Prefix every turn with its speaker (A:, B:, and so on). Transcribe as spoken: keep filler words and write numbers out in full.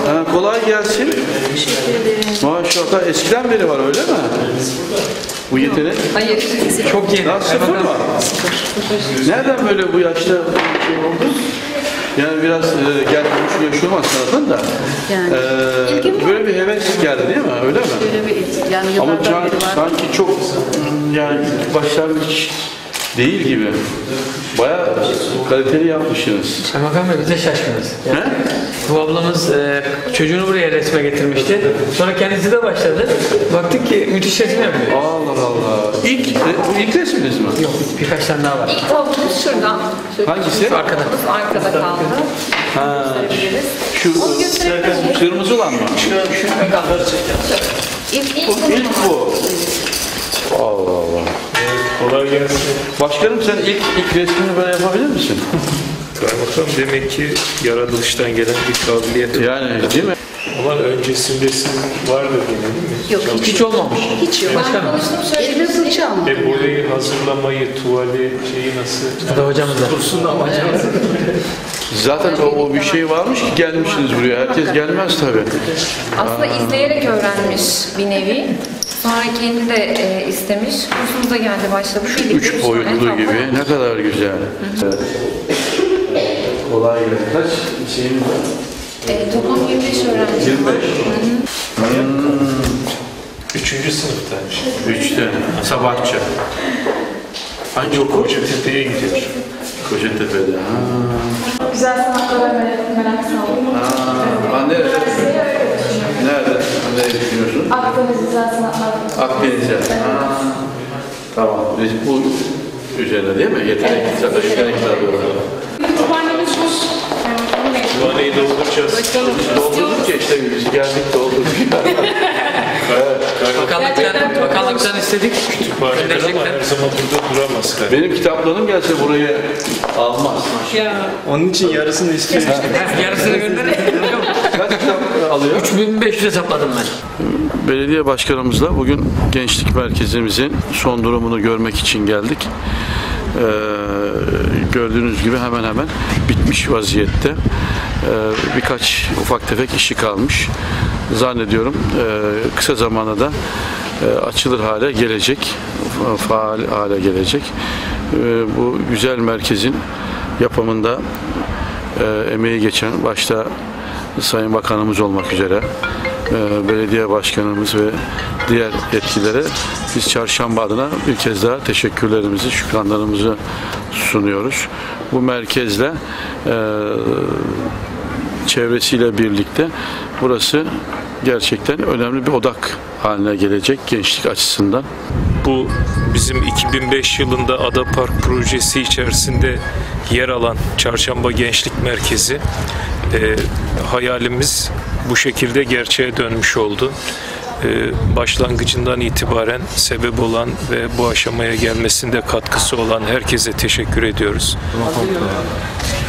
A: Ha, kolay gelsin. Maşallah. Eskiden beri var öyle mi? Bu yetenek.
B: Hayır.
C: Çok yeni.
A: Daha sıfır mı? Nereden böyle bu yaşta şey oldu? Yani biraz e, gelmiş yaş olmaz sanatın da.
B: Yani.
A: E, böyle bir heves geldi değil mi? Öyle mi?
B: Böyle bir, yani
A: Ama
B: yıllardan
A: can,
B: beri var.
A: sanki çok yani başlangıç değil gibi. Bayağı kaliteli yapmışsınız.
C: Kaymakam Bey biz de şaşkınız.
A: He?
C: Bu ablamız e, çocuğunu buraya resme getirmişti. Sonra kendisi de başladı. Baktık ki müthiş resim yapıyor.
A: Allah Allah. İlk, bu ilk resminiz mi?
C: Yok birkaç tane daha var.
B: İlk tablomuz şuradan. Şöyle
A: Hangisi?
C: Şu arkada.
B: arkada kaldı.
A: Ha,
B: Gösterebiliriz.
A: şu
B: Onu gösterebiliriz.
A: kırmızı olan mı?
B: İlk, ilk,
A: İlk bu. Allah Allah.
D: Kolay gelsin.
A: Başkanım sen ilk ilk resmini böyle yapabilir misin?
D: Kaymakam demek ki yaratılıştan gelen bir kabiliyet.
A: Yani değil mi?
D: Ama öncesinde sizin vardı gene değil mi?
B: Yok,
C: Hiç olmamış.
B: hiç yok.
C: Başkanım.
B: Elime fırça almadım.
D: E boyayı hazırlamayı, tuvali şeyi nasıl?
C: O da hocamız da.
D: Kursun ama
A: Zaten o, o bir şey varmış ki gelmişsiniz buraya. Herkes gelmez tabii.
E: Aslında izleyerek öğrenmiş bir nevi. Sonra kendi de e, istemiş. Kursumuza geldi, başlamış.
A: Üç boyutlu gibi. Ne kadar güzel. Evet. Kolay gelsin. Kaç şeyin var?
E: E, toplam yirmi beş öğrenci.
A: yirmi beş.
D: üçüncü sınıftaymış.
A: Üçte. Sabahçı. Hangi okul?
D: Kocatepe'ye gidiyor.
A: Kocatepe'de. Ha.
F: Güzel sanatlara merak, merak saldım.
A: Ha, nerede? Nerede? Nerede düşünüyorsun?
F: Akdeniz Güzel Sanatlar.
A: Akdeniz'e. Ha. Tamam. Biz bu üzerine değil mi? Yetenek, zaten yetenekler diyorlar.
F: Kütüphanemiz boş.
D: Kütüphaneyi dolduracağız.
A: Doldurduk ya işte biz geldik doldurduk.
C: Bakanlıktan, bakanlıktan istedik.
D: Kütüphaneler ama her zaman burada duramaz. Kaymakam.
A: Benim kitaplarım gelse buraya almaz.
D: Onun için yarısını istiyoruz.
C: Yarısını gönderin.
A: Kaç kitap alıyor?
C: üç bin beş yüz hesapladım ben.
A: Belediye başkanımızla bugün gençlik merkezimizin son durumunu görmek için geldik. Ee, gördüğünüz gibi hemen hemen bitmiş vaziyette. Ee, birkaç ufak tefek işi kalmış. Zannediyorum e, kısa zamanda da e, açılır hale gelecek, faal hale gelecek. E, bu güzel merkezin yapımında e, emeği geçen başta Sayın Bakanımız olmak üzere e, belediye başkanımız ve diğer yetkililere biz Çarşamba adına bir kez daha teşekkürlerimizi, şükranlarımızı sunuyoruz. Bu merkezle e, çevresiyle birlikte burası gerçekten önemli bir odak haline gelecek gençlik açısından.
D: Bu bizim iki bin beş yılında Ada Park projesi içerisinde yer alan Çarşamba Gençlik Merkezi e, hayalimiz bu şekilde gerçeğe dönmüş oldu. E, başlangıcından itibaren sebep olan ve bu aşamaya gelmesinde katkısı olan herkese teşekkür ediyoruz.